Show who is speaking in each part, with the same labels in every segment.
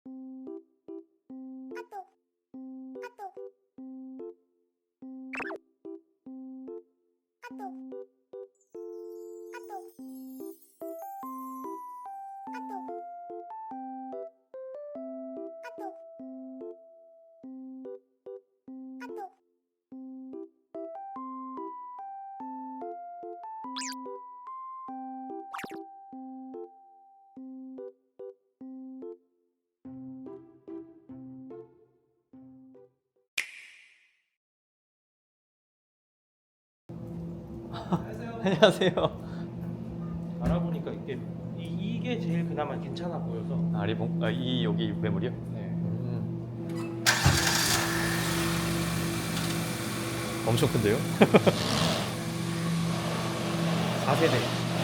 Speaker 1: 안녕하세요.
Speaker 2: 알아보니까 이게 제일 그나마 괜찮아 보여서.
Speaker 1: 아 리본? 이 여기 매물이요?
Speaker 2: 네.
Speaker 1: 엄청 큰데요?
Speaker 2: 4세대.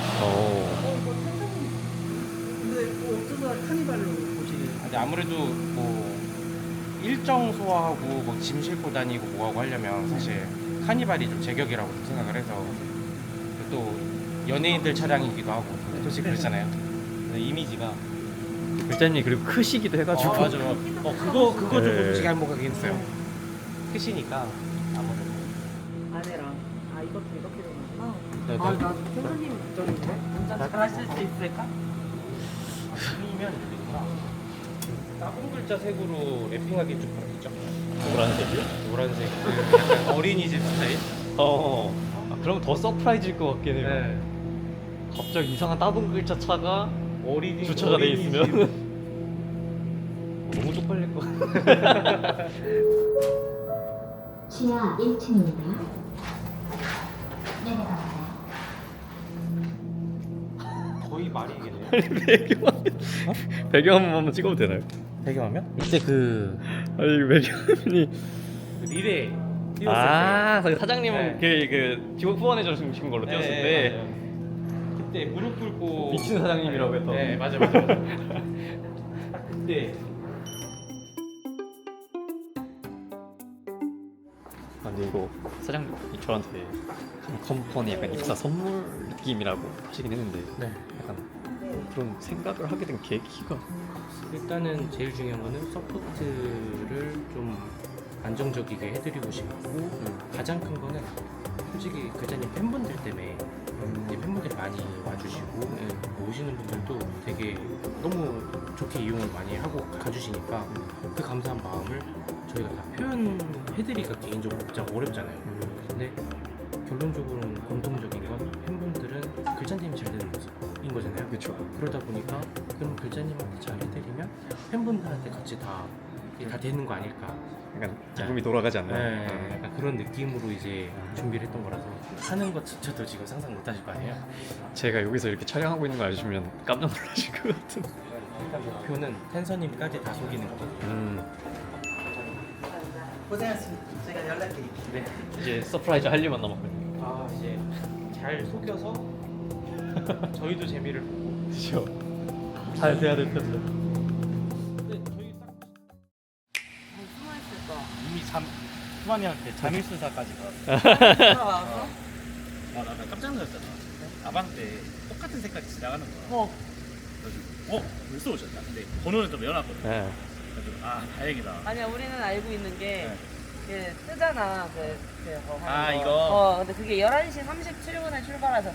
Speaker 3: 근데 뭐 어쩌다 카니발로 보지?
Speaker 2: 근데 아무래도 뭐 일정 소화하고 뭐 짐 싣고 다니고 뭐하고 하려면 사실 카니발이 좀 제격이라고 좀 생각을 해서, 또 연예인들 차량이기도 하고 솔직히 그렇잖아요. 근데 이미지가
Speaker 1: 글자님이 그리고 크시기도 해가지고.
Speaker 2: 맞아. 그거 좀
Speaker 1: 네.
Speaker 2: 솔직히 한몫하긴 했어요. 크시니까 아무래도.
Speaker 3: 아내랑 이것도 이렇게 되는구나.
Speaker 2: 네,
Speaker 3: 나 선생님 쪽인데 운전 잘하실 수 있을까?
Speaker 2: 아니면 따봉 글자 색으로 랩핑하기 좀 그렇겠죠?
Speaker 1: 노란색이요?
Speaker 2: 노란색 그 약간 어린이집 스타일?
Speaker 1: 그럼 더 서프라이즈일 것 같긴 해요.
Speaker 2: 네.
Speaker 1: 갑자기 이상한 따봉 글자 차가
Speaker 2: 어린이
Speaker 1: 주차가 돼
Speaker 2: 어린이집.
Speaker 1: 있으면 너무 쪽팔릴 것 같아.
Speaker 4: 지하 1층입니다. 내려갑니다.
Speaker 2: 거의 말이겠네요.
Speaker 1: 배경 한번 찍어도 되나요?
Speaker 2: 배경화면?
Speaker 1: 이때 아니 배경화면이
Speaker 2: 리레 띄웠을 때.
Speaker 1: 사장님은 그 지원 후원해 주신 걸로 띄웠을 때
Speaker 2: 맞아요. 그때 무릎 꿇고
Speaker 1: 미친 사장님이라고 했던.
Speaker 2: 네, 맞아. 딱 그때.
Speaker 1: 근데 이거 사장님이 저한테 컴퍼니 약간 입사 선물 느낌이라고 하시긴 했는데
Speaker 2: 네.
Speaker 1: 약간 그런 생각을 하게 된 계기가
Speaker 2: 일단은 제일 중요한 거는 서포트를 좀 안정적이게 해드리고 싶고, 가장 큰 거는 솔직히 글자님 팬분들 때문에 이제 팬분들이 많이 와주시고, 오시는 분들도 되게 너무 좋게 이용을 많이 하고 가주시니까 그 감사한 마음을 저희가 다 표현해드리기가 개인적으로 진짜 어렵잖아요. 근데 결론적으로는 공통적인 건 팬분들은 글자님이 잘 되는 모습인 거잖아요.
Speaker 1: 그렇죠.
Speaker 2: 그러다 보니까 그럼 글자님한테 잘 해드리면 팬분들한테 같이 다 되는 거 아닐까.
Speaker 1: 약간 기쁨이 돌아가지 않나요?
Speaker 2: 네, 약간 그런 느낌으로 이제 준비를 했던 거라서 하는 것조차도 지금 상상 못 하실 거 아니에요.
Speaker 1: 제가 여기서 이렇게 촬영하고 있는 거 아시면 깜짝 놀라실 것 같은.
Speaker 2: 일단 목표는 텐서님까지 다 속이는 거.
Speaker 3: 고생하셨습니다. 제가 연락드릴게요.
Speaker 2: 네.
Speaker 1: 이제 서프라이즈 할 일만 남았거든요.
Speaker 2: 이제 잘 속여서 저희도 재미를 보고.
Speaker 1: 그렇죠. 잘 돼야 될 텐데.
Speaker 2: 근데 저희 딱
Speaker 3: 숨어있을까?
Speaker 5: 이미 후반이한테 잠일수사까지
Speaker 3: 들어와서?
Speaker 5: 나 깜짝 놀랐잖아. 아방 때 똑같은 색깔이 지나가는 거야. 그래가지고 벌써 오셨다. 근데 번호는 좀 외워놨거든.
Speaker 1: 네.
Speaker 5: 그래가지고 다행이다.
Speaker 3: 아니야, 우리는 알고 있는 게 뜨잖아. 그거 하는
Speaker 5: 아,
Speaker 3: 거.
Speaker 5: 이거?
Speaker 3: 근데 그게 11시 37분에 출발하셨어.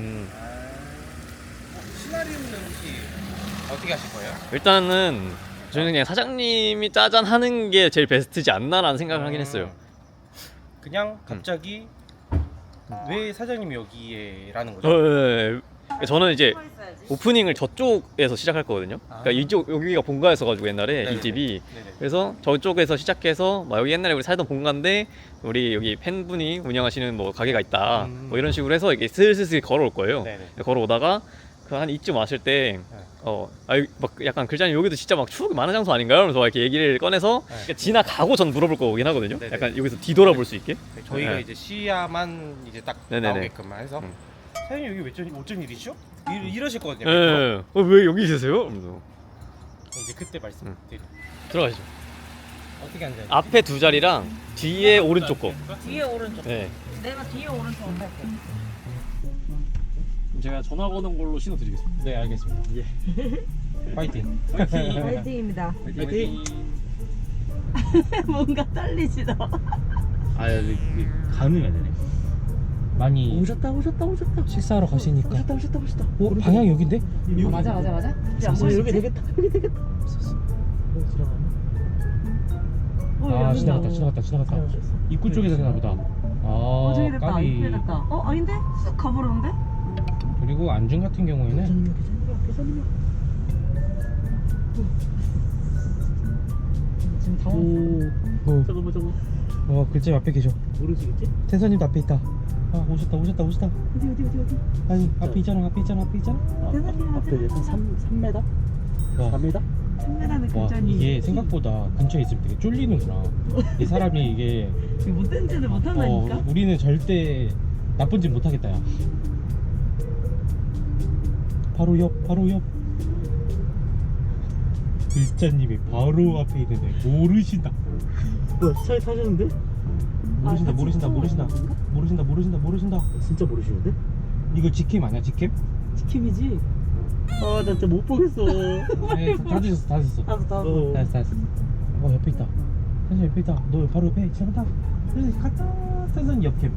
Speaker 2: 시나리오는 혹시 어떻게 하실 거예요?
Speaker 1: 일단은 저는 그냥 사장님이 짜잔 하는 게 제일 베스트지 않나라는 생각을 하긴 했어요.
Speaker 2: 그냥 갑자기 왜 사장님이 여기에라는 거죠?
Speaker 1: 예. 저는 이제
Speaker 3: 숨어있어야지.
Speaker 1: 오프닝을 저쪽에서 시작할 거거든요. 그러니까 이쪽 여기가 본가였어가지고 옛날에
Speaker 2: 네네네.
Speaker 1: 이 집이.
Speaker 2: 네네.
Speaker 1: 그래서 저쪽에서 시작해서 막 여기 옛날에 우리 살던 본가인데 우리 여기 팬분이 운영하시는 뭐 가게가 있다. 뭐 이런 식으로 해서 이게 슬슬 걸어올 거예요.
Speaker 2: 네네.
Speaker 1: 걸어오다가 그 한 이쯤 왔을 때 막 약간 글자님 여기도 진짜 막 추억이 많은 장소 아닌가요? 그러면서 막 이렇게 얘기를 꺼내서 그러니까 지나가고 전 물어볼 거긴 하거든요.
Speaker 2: 네네.
Speaker 1: 약간 여기서 뒤돌아볼 수 있게.
Speaker 2: 저희가
Speaker 1: 네.
Speaker 2: 이제 시야만 이제 딱
Speaker 1: 네네네.
Speaker 2: 나오게끔만 해서 사장님 여기 어쩐 일이시죠? 이러실 거거든요.
Speaker 1: 예. 왜 여기 계세요? 그러면서
Speaker 2: 이제 그때 말씀드릴게요.
Speaker 1: 들어가시죠.
Speaker 2: 어떻게 앉아요?
Speaker 1: 앞에 두 자리랑 뒤에 오른쪽 거.
Speaker 3: 뒤에 오른쪽.
Speaker 1: 네.
Speaker 3: 내가 뒤에 오른쪽 할게.
Speaker 1: 제가 전화 거는 걸로 신호 드리겠습니다.
Speaker 2: 네, 알겠습니다.
Speaker 1: 예.
Speaker 4: 파이팅.
Speaker 3: 화이팅입니다.
Speaker 5: 파이팅.
Speaker 3: 뭔가 떨리시다.
Speaker 5: 아 여기 가능해야 되네.
Speaker 4: 많이
Speaker 3: 오셨다.
Speaker 4: 식사하러 가시니까.
Speaker 3: 오셨다.
Speaker 4: 어, 방향 여긴데?
Speaker 3: 맞아. 야,
Speaker 4: 여기
Speaker 3: 되겠다.
Speaker 4: 아, 지나갔다. 입구 쪽에 되나 보다. 아,
Speaker 3: 저기 됐다.
Speaker 4: 까비.
Speaker 3: 이렇게 됐다. 아닌데? 쑥 가버렸는데?
Speaker 4: 그리고 안중 같은 경우에는
Speaker 3: 지금 당황.
Speaker 4: 저거 글자 앞에 계셔.
Speaker 5: 모르시겠지?
Speaker 4: 태선님도 앞에 있다. 아, 오셨다.
Speaker 3: 어디?
Speaker 4: 아니, 앞에 있잖아.
Speaker 3: 대단히
Speaker 5: 앞에 3m?
Speaker 4: 와,
Speaker 5: 4m?
Speaker 3: 3m는
Speaker 4: 와,
Speaker 3: 굉장히
Speaker 4: 이게 생각보다 근처에 있으면 되게 쫄리는구나. 이 사람이 이게
Speaker 3: 못된 짓을 못한다니까?
Speaker 4: 우리는 절대 나쁜 짓 못하겠다, 야. 바로 옆. 글자님이 바로 앞에 있는데 모르신다.
Speaker 5: 뭐야 차에 타셨는데?
Speaker 4: 모르신다.
Speaker 5: 진짜 모르시는데?
Speaker 4: 이거 직캠 아니야, 직캠?
Speaker 3: 지킴이지?
Speaker 5: 아 나 진짜 못 보겠어.
Speaker 4: 네, 다 드셨어.
Speaker 5: 어.
Speaker 4: 됐어. 옆에 있다. 선생 옆에 있다. 너 바로 옆에 지나간다. 선생 갔다. 선생 옆캠.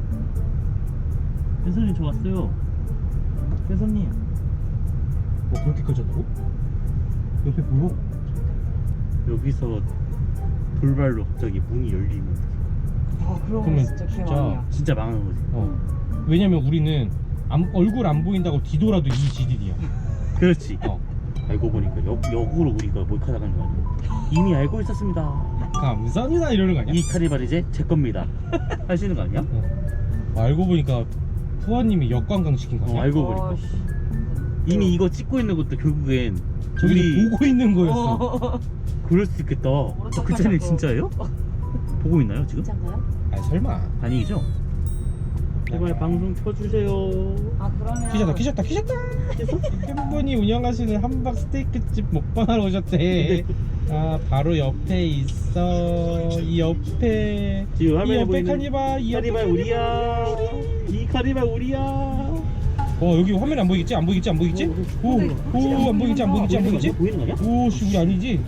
Speaker 5: 혜선님 저 왔어요. 혜선님.
Speaker 4: 그렇게 커졌다고? 옆에 보여?
Speaker 5: 여기서 돌발로 갑자기 문이 열리면
Speaker 3: 그런 거
Speaker 4: 그러면
Speaker 3: 진짜 기억
Speaker 4: 진짜
Speaker 3: 아니야.
Speaker 5: 진짜 망하는 거지.
Speaker 4: 왜냐면 우리는 얼굴 안 보인다고 뒤돌아도 이 지딜이야.
Speaker 5: 그렇지.
Speaker 4: 알고
Speaker 5: 보니까 역으로 우리가 몰카 나가는 거 아니야? 이미 알고 있었습니다.
Speaker 4: 감사합니다 이러는 거 아니야?
Speaker 5: 이 카니발 이제 제 겁니다. 하시는 거 아니야?
Speaker 4: 알고 보니까 푸아님이 역관광 시킨 거 아니야?
Speaker 5: 알고 보니까 이미 이거 찍고 있는 것도 결국엔
Speaker 4: 저기
Speaker 5: 우리
Speaker 4: 보고 있는 거였어.
Speaker 5: 그럴 수 있겠다.
Speaker 3: 오른쪽
Speaker 5: 그 짤이
Speaker 3: 하자고.
Speaker 5: 진짜예요? 보고 있나요 지금?
Speaker 3: 진짜인가요?
Speaker 4: 아니 설마.
Speaker 5: 아니죠? 제발 방송 켜주세요.
Speaker 3: 그러면
Speaker 4: 키셨다. 팬분이 운영하시는 함박 스테이크집 먹방하러 오셨대. 바로 옆에 있어. 이 옆에.
Speaker 5: 지금
Speaker 4: 이
Speaker 5: 화면에
Speaker 4: 옆에
Speaker 5: 보이는
Speaker 4: 카니발. 이 옆에
Speaker 5: 카니발 우리야. 이 카니발 우리야.
Speaker 4: 여기 화면 안 보이겠지? 안 보이겠지? 오, 안 보이겠지?
Speaker 5: 보이는 거 아니야?
Speaker 4: 오, 씨, 우리 아니지?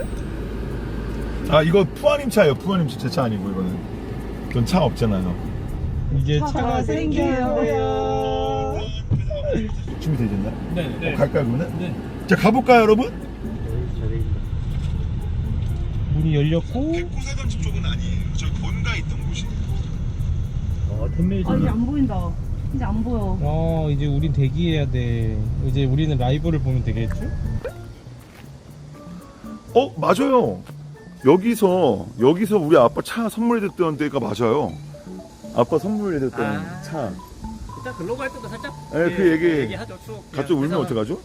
Speaker 6: 아 이거 푸아님 차예요. 푸아님 제 차 아니고 이거는. 전 차 없잖아요.
Speaker 4: 이제
Speaker 3: 차가
Speaker 4: 차가 생겨요.
Speaker 6: 준비되셨나요?
Speaker 4: 네.
Speaker 6: 갈까요 그러면?
Speaker 4: 네.
Speaker 6: 자 가볼까요 여러분?
Speaker 4: 문이 열렸고.
Speaker 6: 백구사단집 쪽은 아니에요. 저 본가에 있던 곳이에요.
Speaker 3: 이제 안 보인다. 이제 안 보여.
Speaker 4: 이제 우린 대기해야 돼. 이제 우리는 라이브를 보면 되겠죠?
Speaker 6: 맞아요. 여기서 우리 아빠 차 선물해줬던 데가 맞아요. 아빠 선물해줬던 차.
Speaker 1: 일단 글로 갈 때도 살짝
Speaker 6: 네, 그
Speaker 1: 얘기하죠. 추억.
Speaker 6: 갑자기 울면 어떡하죠?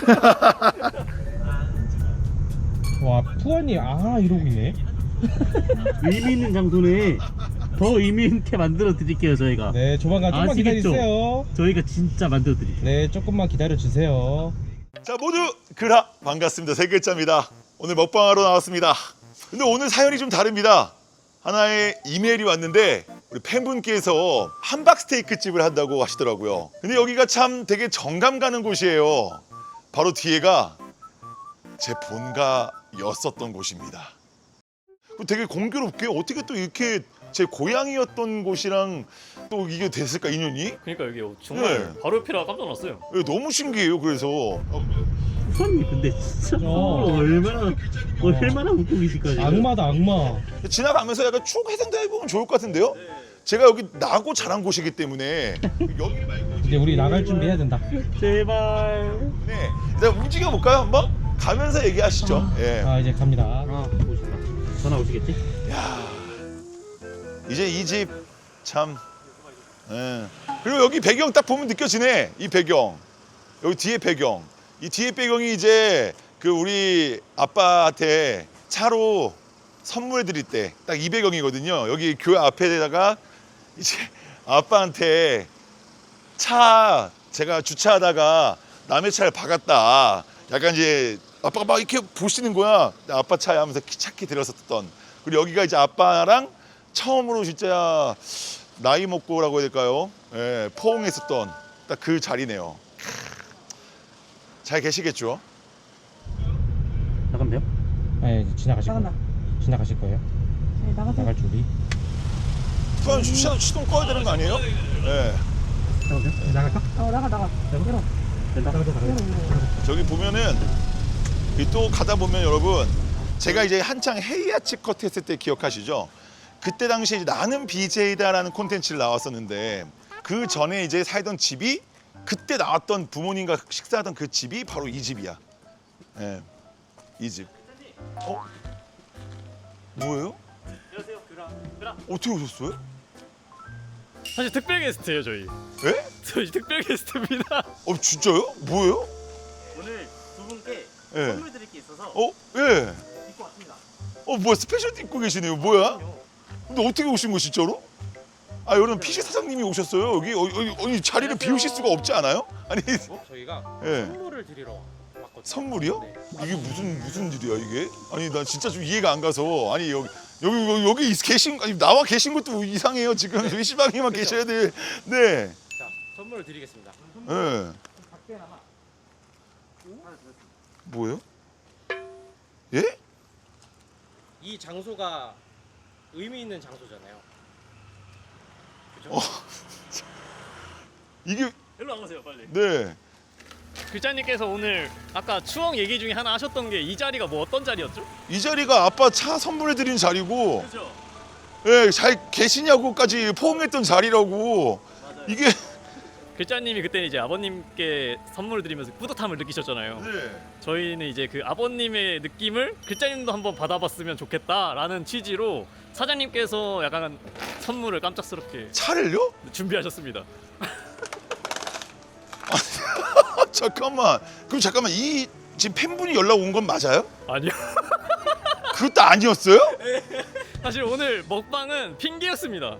Speaker 4: 와, 푸안이 이러고 있네.
Speaker 5: 의미 있는 장소네. 더 의미 있게 만들어 드릴게요 저희가.
Speaker 4: 네, 조만간 조금만
Speaker 5: 아시겠죠?
Speaker 4: 기다리세요.
Speaker 5: 저희가 진짜 만들어 드릴게요.
Speaker 4: 네, 조금만 기다려주세요.
Speaker 6: 자 모두 그라 반갑습니다. 세 글자입니다. 오늘 먹방하러 나왔습니다. 근데 오늘 사연이 좀 다릅니다. 하나의 이메일이 왔는데 우리 팬분께서 함박 스테이크 집을 한다고 하시더라고요. 근데 여기가 참 되게 정감 가는 곳이에요. 바로 뒤에가 제 본가였었던 곳입니다. 되게 공교롭게 어떻게 또 이렇게 제 고향이었던 곳이랑 또 이게 됐을까 인연이?
Speaker 1: 그러니까 여기 정말
Speaker 6: 네.
Speaker 1: 바로 옆이라 깜짝 놀랐어요.
Speaker 6: 너무 신기해요. 그래서
Speaker 5: 후선님 근데 진짜
Speaker 4: 어.
Speaker 5: 얼마나 웃고 계실까요?
Speaker 4: 악마다, 악마.
Speaker 6: 지나가면서 약간 쭉 해상도 해보면 좋을 것 같은데요? 제가 여기 나고 자란 곳이기 때문에 여기 말고
Speaker 4: 이제 우리 나갈 준비해야 된다.
Speaker 5: 제발.
Speaker 6: 네, 일단 움직여 볼까요 한번? 가면서 얘기하시죠. 예.
Speaker 4: 이제 갑니다.
Speaker 5: 보고 싶다. 전화 오시겠지?
Speaker 6: 야, 이제 이 집 참. 예. 그리고 여기 배경 딱 보면 느껴지네. 이 배경. 여기 뒤에 배경. 이 뒤에 배경이 이제 그 우리 아빠한테 차로 선물 드릴 때 딱 이 배경이거든요. 여기 교회 앞에다가 이제 아빠한테 차 제가 주차하다가 남의 차를 박았다. 약간 이제 아빠가 막 이렇게 보시는 거야. 아빠 차에 하면서 차키 들었었던. 그리고 여기가 이제 아빠랑 처음으로 진짜 나이 먹고라고 해야 될까요? 예, 포옹했었던 딱 그 자리네요. 잘 계시겠죠?
Speaker 4: 네, 지나가실
Speaker 3: 나간다.
Speaker 4: 거예요. 지나가실 거예요.
Speaker 3: 네, 나가세요.
Speaker 4: 나갈 준비.
Speaker 6: 그럼 시동 꺼야 되는 거 아니에요? 네.
Speaker 4: 나갈까?
Speaker 3: 나가. 열어.
Speaker 6: 저기 보면은 이 또 가다 보면 여러분 제가 이제 한창 헤이아치 컷 했을 때 기억하시죠? 그때 당시에 이제 나는 BJ다라는 콘텐츠를 나왔었는데 그 전에 이제 살던 집이 그때 나왔던 부모님과 식사하던 그 집이 바로 이 집이야. 예, 이 집. 뭐예요?
Speaker 1: 안녕하세요. 그라.
Speaker 6: 어떻게 오셨어요?
Speaker 1: 사실 특별 게스트예요 저희.
Speaker 6: 예?
Speaker 1: 저희 특별 게스트입니다.
Speaker 6: 진짜요? 뭐예요?
Speaker 5: 오늘 두 분께
Speaker 6: 예.
Speaker 5: 선물 드릴 게 있어서
Speaker 6: 예.
Speaker 5: 입고 왔습니다.
Speaker 6: 뭐야 스페셜티 입고 계시네요. 뭐야? 근데 어떻게 오신 거 진짜로? 아 여러분 PC 사장님이 오셨어요. 여기 자리를 비우실 수가 없지 않아요? 아니
Speaker 2: 저희가
Speaker 6: 예.
Speaker 2: 선물을 드리러 왔거든요.
Speaker 6: 선물이요?
Speaker 2: 네.
Speaker 6: 이게 무슨 일이야 이게? 아니 나 진짜 좀 이해가 안 가서 아니 여기 계신 아니 나와 계신 것도 이상해요 지금 저희 시방에만 계셔야 돼. 네.
Speaker 2: 자, 선물을 드리겠습니다.
Speaker 6: 네. 뭐예요? 예?
Speaker 2: 이 장소가 의미 있는 장소잖아요. 그죠?
Speaker 6: 이게
Speaker 5: 일로 와보세요 빨리.
Speaker 6: 네.
Speaker 1: 글자님께서 오늘 아까 추억 얘기 중에 하나 하셨던 게 이 자리가 뭐 어떤 자리였죠?
Speaker 6: 이 자리가 아빠 차 선물해 드린 자리고
Speaker 5: 그죠?
Speaker 6: 예, 잘 계시냐고까지 포옹했던 자리라고.
Speaker 5: 맞아요.
Speaker 6: 이게
Speaker 1: 글자님이 그때 이제 아버님께 선물을 드리면서 뿌듯함을 느끼셨잖아요.
Speaker 6: 네.
Speaker 1: 저희는 이제 그 아버님의 느낌을 글자님도 한번 받아봤으면 좋겠다라는 취지로 사장님께서 약간 선물을 깜짝스럽게
Speaker 6: 차를요?
Speaker 1: 준비하셨습니다.
Speaker 6: 잠깐만. 그럼 잠깐만 이 지금 팬분이 연락 온 건 맞아요?
Speaker 1: 아니요.
Speaker 6: 그것도 아니었어요?
Speaker 1: 사실 오늘 먹방은 핑계였습니다.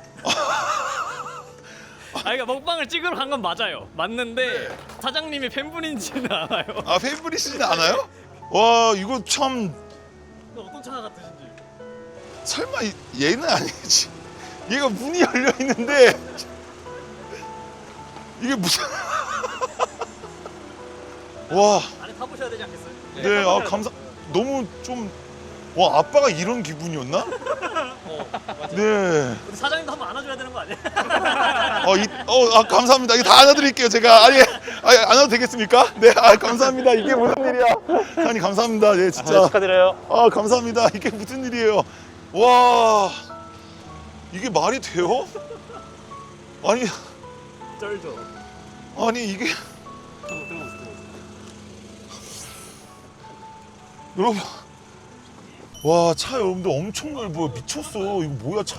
Speaker 1: 그러니까 먹방을 찍으러 간 건 맞아요. 맞는데 사장님이 팬분인지는 알아요.
Speaker 6: 아 팬분이시진 않아요? 와 이거 참
Speaker 1: 어떤 차가 같으신지.
Speaker 6: 설마 얘는 아니지. 얘가 문이 열려 있는데 이게 무슨 와.
Speaker 1: 안에 타보셔야 되지 않겠어요?
Speaker 6: 네, 아 감사. 너무 좀 와 아빠가 이런 기분이었나? 네.
Speaker 1: 우리 사장님도 한번 안아줘야 되는 거 아니에요?
Speaker 6: 감사합니다. 이거 다 안아드릴게요. 제가 아니 안아도 되겠습니까? 네, 감사합니다. 이게 무슨 일이야? 아니 감사합니다. 네, 진짜.
Speaker 1: 축하드려요.
Speaker 6: 감사합니다. 이게 무슨 일이에요? 와, 이게 말이 돼요? 아니,
Speaker 1: 쩔죠.
Speaker 6: 아니 이게 여러분, 와 차 여러분들 엄청 넓어요. 미쳤어. 이거 뭐야 차?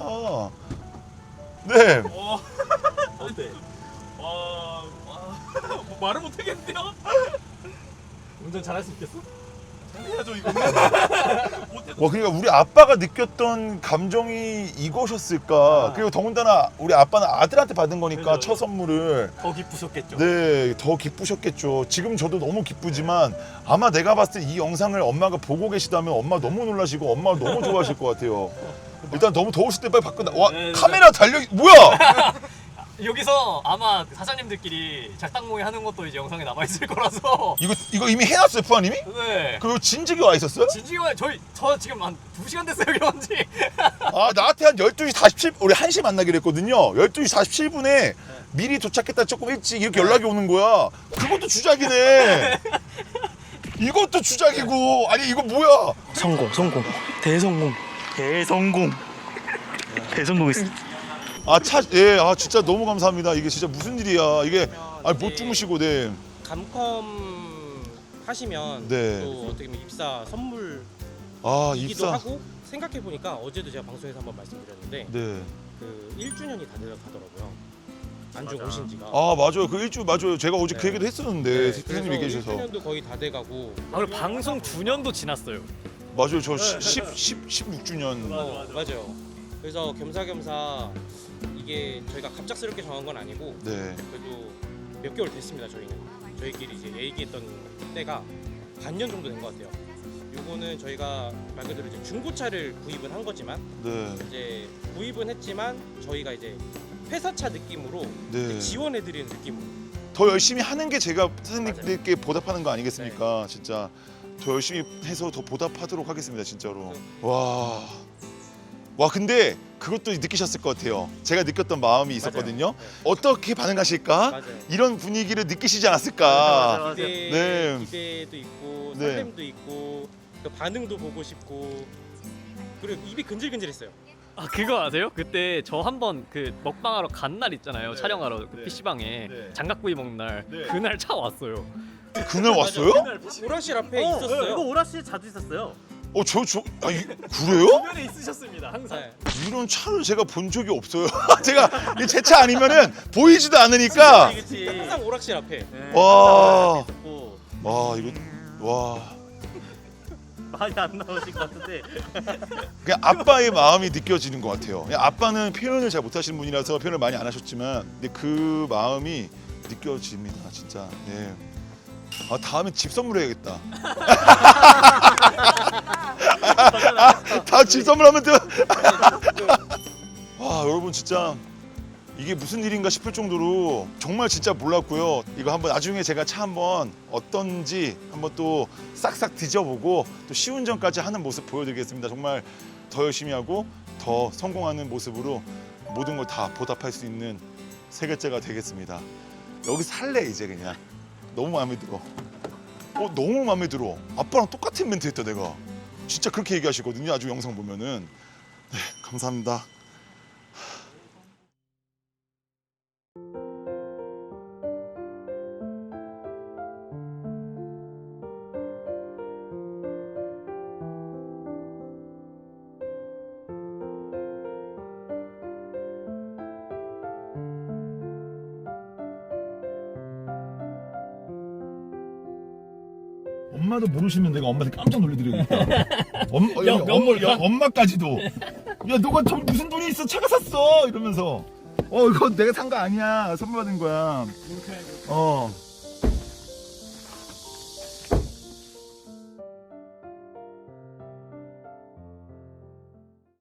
Speaker 6: 네.
Speaker 5: 어때? 와, 뭐 말을 못 하겠는데요?
Speaker 1: 운전 잘할 수 있겠어?
Speaker 5: 해야죠 이거.
Speaker 6: 와 그러니까 우리 아빠가 느꼈던 감정이 이것이었을까. 그리고 더군다나 우리 아빠는 아들한테 받은 거니까
Speaker 5: 그죠.
Speaker 6: 첫 선물을.
Speaker 1: 더 기쁘셨겠죠.
Speaker 6: 네, 더 기쁘셨겠죠. 지금 저도 너무 기쁘지만 아마 내가 봤을 때 이 영상을 엄마가 보고 계시다면 엄마 너무 놀라시고 엄마가 너무 좋아하실 것 같아요. 일단 너무 더우실 때 빨리 밖에 와
Speaker 1: 네, 네.
Speaker 6: 카메라 달려 뭐야?
Speaker 1: 여기서 아마 사장님들끼리 작당모의 하는 것도 이제 영상에 남아 있을 거라서.
Speaker 6: 이거 이미 해놨어요, 푸아님이?
Speaker 1: 네.
Speaker 6: 그리고 진즉이 와 있었어요?
Speaker 1: 진지가 저 지금 한 2시간 됐어요 여기 온 지.
Speaker 6: 아 나한테 한 12시 47분 우리 1시 만나기로 했거든요. 12시 47분에 미리 도착했다 조금 일찍 이렇게 연락이 오는 거야. 그것도 주작이네. 이것도 주작이고 아니 이거 뭐야?
Speaker 5: 성공. 대성공했어.
Speaker 6: 진짜 너무 감사합니다. 이게 진짜 무슨 일이야. 이게 못
Speaker 2: 이제
Speaker 6: 주무시고 네.
Speaker 2: 감컴 하시면
Speaker 6: 네.
Speaker 2: 또 어떻게 보면 입사 선물이기도
Speaker 6: 입사.
Speaker 2: 하고 생각해 보니까 어제도 제가 방송에서 한번 말씀드렸는데
Speaker 6: 네.
Speaker 2: 그 1주년이 다 되더라고요. 안중 오신 지가.
Speaker 6: 맞아요. 그 일주 맞아요. 제가 어제 그
Speaker 2: 네.
Speaker 6: 얘기도 했었는데 스피드님 얘기해 주셔서.
Speaker 2: 1주년도 거의 다 돼가고.
Speaker 1: 아 그리고 방송 9년도 지났어요.
Speaker 6: 맞아요. 저 16주년.
Speaker 2: 맞아요. 그래서 겸사겸사 이게 저희가 갑작스럽게 정한 건 아니고
Speaker 6: 네.
Speaker 2: 그래도 몇 개월 됐습니다. 저희끼리 이제 얘기했던 때가 반년 정도 된 것 같아요. 요거는 저희가 말 그대로 이제 중고차를 구입은 한 거지만
Speaker 6: 네.
Speaker 2: 이제 구입은 했지만 저희가 이제 회사차 느낌으로
Speaker 6: 네.
Speaker 2: 지원해드리는 느낌으로.
Speaker 6: 더 열심히 하는 게 제가 선생님들께 보답하는 거 아니겠습니까? 진짜. 더 열심히 해서 더 보답하도록 하겠습니다 진짜로. 와 근데 그것도 느끼셨을 것 같아요. 제가 느꼈던 마음이 있었거든요. 어떻게 반응하실까?
Speaker 2: 맞아요.
Speaker 6: 이런 분위기를 느끼시지 않았을까? 네.
Speaker 2: 기대도 있고
Speaker 6: 네.
Speaker 2: 설렘도 있고 또 반응도 보고 싶고 그리고 입이 근질근질했어요.
Speaker 1: 아 그거 아세요? 그때 저 한번 그 먹방하러 간 날 있잖아요. 촬영하러 그
Speaker 6: 네.
Speaker 1: PC방에
Speaker 6: 네.
Speaker 1: 장갑구이 먹는 날.
Speaker 6: 네.
Speaker 1: 그날 차 왔어요.
Speaker 6: 그날 왔어요?
Speaker 2: 오락실 앞에 있었어요.
Speaker 5: 이거 오락실 자주 있었어요.
Speaker 6: 그래요?
Speaker 5: 주변에 있으셨습니다 항상.
Speaker 2: 네.
Speaker 6: 이런 차를 제가 본 적이 없어요. 제가 제 차 아니면은 보이지도 않으니까.
Speaker 5: 그치.
Speaker 2: 항상 오락실 앞에.
Speaker 5: 네,
Speaker 6: 와.
Speaker 5: 항상 있었고.
Speaker 6: 이거 와.
Speaker 5: 많이 안 나오실 것 같은데.
Speaker 6: 그냥 아빠의 마음이 느껴지는 것 같아요. 그냥 아빠는 표현을 잘 못하시는 분이라서 표현을 많이 안 하셨지만, 근데 그 마음이 느껴집니다, 진짜. 네. 다음에 집 선물해야겠다. 다 집 선물하면 돼. 와 여러분 진짜 이게 무슨 일인가 싶을 정도로 정말 진짜 몰랐고요. 이거 한번 나중에 제가 차 한번 어떤지 한번 또 싹싹 뒤져보고 또 시운전까지 하는 모습 보여드리겠습니다. 정말 더 열심히 하고 더 성공하는 모습으로 모든 걸 다 보답할 수 있는 세계째가 되겠습니다. 여기 살래 이제 그냥. 너무 마음에 들어. 너무 마음에 들어. 아빠랑 똑같은 멘트 했다 내가. 진짜 그렇게 얘기하시거든요. 아주 영상 보면은. 네, 감사합니다. 엄마도 모르시면 내가 엄마한테 깜짝 놀래드리겠다. 엄마까지도. 야, 너가 무슨 돈이 있어? 차가 샀어! 이러면서. 이거 내가 산 거 아니야. 선물 받은 거야.